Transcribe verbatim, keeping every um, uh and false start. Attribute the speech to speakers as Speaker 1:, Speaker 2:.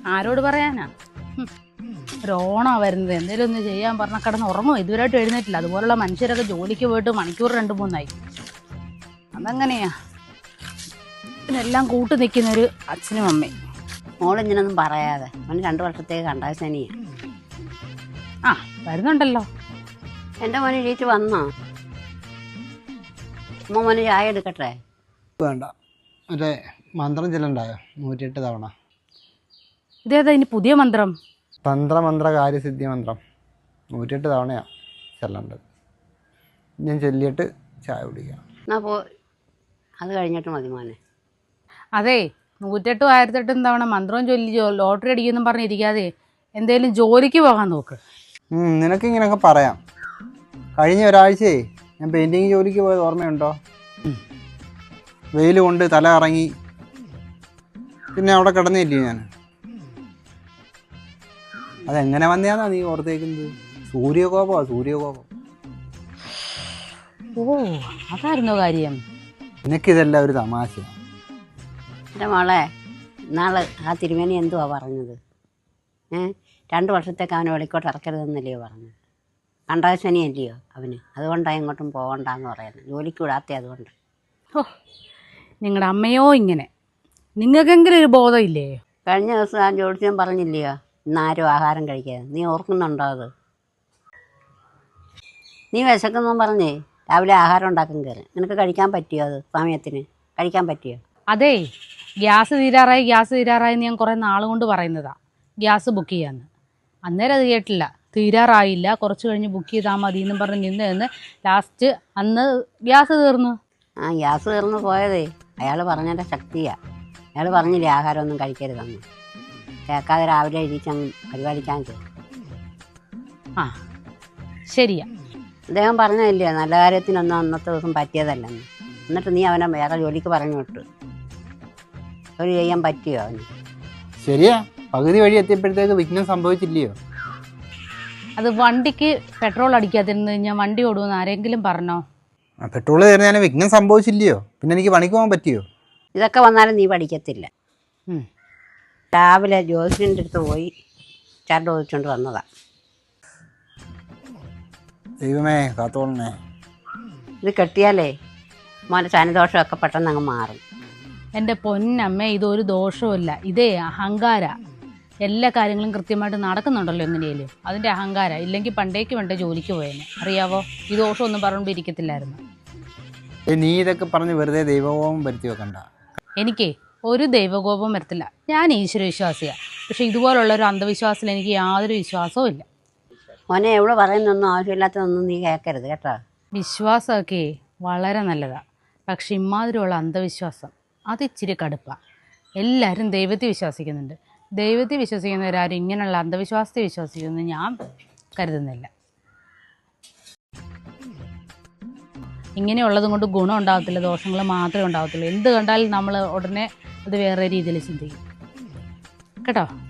Speaker 1: ആരോട് പറയാനാ? ഒരോണാ വരുന്നത്, എന്തേലും ഒന്ന് ചെയ്യാൻ പറഞ്ഞാൽ കിടന്ന് ഉറങ്ങുമോ? ഇതുവരെയായിട്ട് എഴുന്നേറ്റില്ല. അതുപോലുള്ള മനുഷ്യരൊക്കെ ജോലിക്ക് പോയിട്ട് മണിക്കൂർ രണ്ട് മൂന്നായി. അതെങ്ങനെയാ ഇതിനെല്ലാം കൂട്ടു നിൽക്കുന്നൊരു അച്ഛനും അമ്മയും.
Speaker 2: മോളിങ്ങനൊന്നും പറയാതെ, മോന് രണ്ടു വർഷത്തേക്ക് കണ്ടാൽ ശനിയാ.
Speaker 1: ആ വരുന്നുണ്ടല്ലോ.
Speaker 2: എൻ്റെ മോന് എഴുതിയിട്ട് വന്നോ? അമ്മ മോന് ചായ എടുക്കട്ടെ?
Speaker 3: വേണ്ട, മറ്റേ മന്ത്രം ചെല്ലണ്ടായോ നൂറ്റിയെട്ട് തവണ?
Speaker 1: ഇതേതാ ഇനി പുതിയ മന്ത്രം?
Speaker 3: തന്ത്രമന്ത്ര കാര്യസിദ്ധി മന്ത്രം നൂറ്റിയെട്ട് തവണയാണ് ചെല്ലേണ്ടത്. ഞാൻ ചൊല്ലിയിട്ട് ചായ കുടിക്കാം.
Speaker 2: എന്നാ പോ, അത് കഴിഞ്ഞിട്ട് മതി മോനെ.
Speaker 1: അതെ, നൂറ്റെട്ടും ആയിരത്തെട്ടും തവണ മന്ത്രവും ചൊല്ലി ലോട്ടറി അടിക്കുമെന്നും പറഞ്ഞിരിക്കാതെ എന്തേലും ജോലിക്ക് പോകാൻ നോക്ക്.
Speaker 3: നിനക്ക് ഇങ്ങനെയൊക്കെ പറയാം. കഴിഞ്ഞ ഒരാഴ്ചയെ ഞാൻ പെയിൻറ്റിങ് ജോലിക്ക് പോയത് ഓർമ്മയുണ്ടോ? വെയിൽ കൊണ്ട് തല ഇറങ്ങി, പിന്നെ അവിടെ കിടന്നില്ലേ ഞാൻ. അതെങ്ങനെ വന്നെയാന്നാ നീ ഓർത്തേക്കുന്നത്? സൂര്യകോപമാ, സൂര്യകോപം.
Speaker 1: ഓ അതായിരുന്നോ കാര്യം?
Speaker 3: നിനക്കിതെല്ലാം ഒരു തമാശയാണ്.
Speaker 2: എൻ്റെ മോളെ, നാളെ ആ തിരുമേനി എന്തുവാ പറഞ്ഞത്? ഏ രണ്ട് വർഷത്തേക്ക് അവനെ വെളിക്കോട്ട് ഇറക്കരുതെന്നല്ലയോ പറഞ്ഞത്? കണ്ടാശനി അല്ലയോ അവന്? അതുകൊണ്ടാണ് ഇങ്ങോട്ടും പോകണ്ടെന്ന് പറയുന്നത്. ജോലിക്ക് വിടാത്ത അതുകൊണ്ട്.
Speaker 1: ഓ നിങ്ങളുടെ അമ്മയോ ഇങ്ങനെ, നിങ്ങൾക്കെങ്കിലും ഒരു ബോധമില്ലേ?
Speaker 2: കഴിഞ്ഞ ദിവസം ആ ജോലിച്ചാൻ പറഞ്ഞില്ലയോ ഇന്ന് ആരും ആഹാരം കഴിക്കാതെ? നീ ഓർക്കുന്നുണ്ടോ അത്? നീ വിശക്കുന്നും പറഞ്ഞേ രാവിലെ ആഹാരം ഉണ്ടാക്കാൻ കയറി. നിനക്ക് കഴിക്കാൻ പറ്റിയോ? അത് സമയത്തിന് കഴിക്കാൻ പറ്റിയോ?
Speaker 1: അതെ, ഗ്യാസ് തീരാറായി ഗ്യാസ് തീരാറായി ഞാൻ കുറേ നാൾ കൊണ്ട് പറയുന്നതാ ഗ്യാസ് ബുക്ക് ചെയ്യാമെന്ന്. അന്നേരം അത് കേട്ടില്ല. തീരാറായില്ല, കുറച്ച് കഴിഞ്ഞ് ബുക്ക് ചെയ്താൽ മതി എന്നും പറഞ്ഞ് നിന്ന് നിന്ന് ലാസ്റ്റ് അന്ന് ഗ്യാസ് തീർന്നു.
Speaker 2: ആ ഗ്യാസ് തീർന്നു പോയതേ അയാൾ പറഞ്ഞതിൻ്റെ ശക്തിയാണ്. അയാൾ പറഞ്ഞില്ലേ ആഹാരമൊന്നും കഴിക്കരുതെന്ന്. കേൾക്കാതെ രാവിലെ എഴുതിച്ചങ്ങ് പരിപാടിക്കാൻ കയറി.
Speaker 1: ആ ശരിയാ,
Speaker 2: അദ്ദേഹം പറഞ്ഞില്ലേ നല്ല കാര്യത്തിനൊന്നും അന്നത്തെ ദിവസം പറ്റിയതല്ലെന്ന്. എന്നിട്ട് നീ അവനെ വേറെ ജോലിക്ക് പറഞ്ഞു വിട്ടു. ജോലി ചെയ്യാൻ പറ്റിയോ അവന്?
Speaker 3: ശരിയാ, പകുതി വഴി എത്തിയപ്പോഴത്തേക്ക് വിഘ്നം സംഭവിച്ചില്ലയോ?
Speaker 1: അത് വണ്ടിക്ക് പെട്രോൾ അടിക്കാതിരുന്ന് ഞാൻ വണ്ടി ഓടുമെന്ന് ആരെങ്കിലും പറഞ്ഞോ?
Speaker 3: പെട്രോൾ തീർന്നതിന് വിഘ്നം സംഭവിച്ചില്ലയോ? പിന്നെ എനിക്ക് പണിക്ക് പോകാൻ പറ്റിയോ?
Speaker 2: ഇതൊക്കെ വന്നാലും നീ പഠിക്കത്തില്ല. രാവിലെ ജോസിൻ്റെ അടുത്ത് പോയി ചരട് ചോദിച്ചുകൊണ്ട് വന്നതാ.
Speaker 3: ദൈവമേ കാത്തോളണേ.
Speaker 2: ഇത് കെട്ടിയാലേ മോൻ്റെ ശനിദോഷമൊക്കെ പെട്ടെന്ന് അങ്ങ് മാറും.
Speaker 1: എൻ്റെ പൊന്നമ്മ, ഇതൊരു ദോഷവുമില്ല. ഇതേ അഹങ്കാര. എല്ലാ കാര്യങ്ങളും കൃത്യമായിട്ട് നടക്കുന്നുണ്ടല്ലോ എങ്ങനെയാലും, അതിൻ്റെ അഹങ്കാര. ഇല്ലെങ്കിൽ പണ്ടേക്ക് വേണ്ട ജോലിക്ക് പോയേനെ, അറിയാവോ? ഈ ദോഷമൊന്നും പറഞ്ഞുകൊണ്ടിരിക്കത്തില്ലായിരുന്നു.
Speaker 3: നീ ഇതൊക്കെ പറഞ്ഞ് വെറുതെ ദൈവകോപം വരുത്തി വെക്കണ്ട.
Speaker 1: എനിക്ക് ഒരു ദൈവകോപം വരത്തില്ല. ഞാൻ ഈശ്വരവിശ്വാസിയാണ്. പക്ഷെ ഇതുപോലുള്ളൊരു അന്ധവിശ്വാസത്തിൽ എനിക്ക് യാതൊരു വിശ്വാസവും ഇല്ല.
Speaker 2: മോനെ എവിടെ പറയുന്നൊന്നും ആവശ്യമില്ലാത്തതൊന്നും നീ കേൾക്കരുത് കേട്ടോ.
Speaker 1: വിശ്വാസമൊക്കെ വളരെ നല്ലതാണ്, പക്ഷെ ഇമാതിരിയുള്ള അന്ധവിശ്വാസം അത് ഇച്ചിരി കടുപ്പാണ്. എല്ലാവരും ദൈവത്തെ വിശ്വസിക്കുന്നുണ്ട്. ദൈവത്തെ വിശ്വസിക്കുന്നവരാരും ഇങ്ങനെയുള്ള അന്ധവിശ്വാസത്തെ വിശ്വസിക്കുമെന്ന് ഞാൻ കരുതുന്നില്ല. ഇങ്ങനെയുള്ളതും കൊണ്ട് ഗുണം ഉണ്ടാകത്തില്ല, ദോഷങ്ങൾ മാത്രമേ ഉണ്ടാകത്തുള്ളൂ. എന്ത് കണ്ടാലും നമ്മൾ ഉടനെ അത് വേറെ രീതിയിൽ ചിന്തിക്കും കേട്ടോ.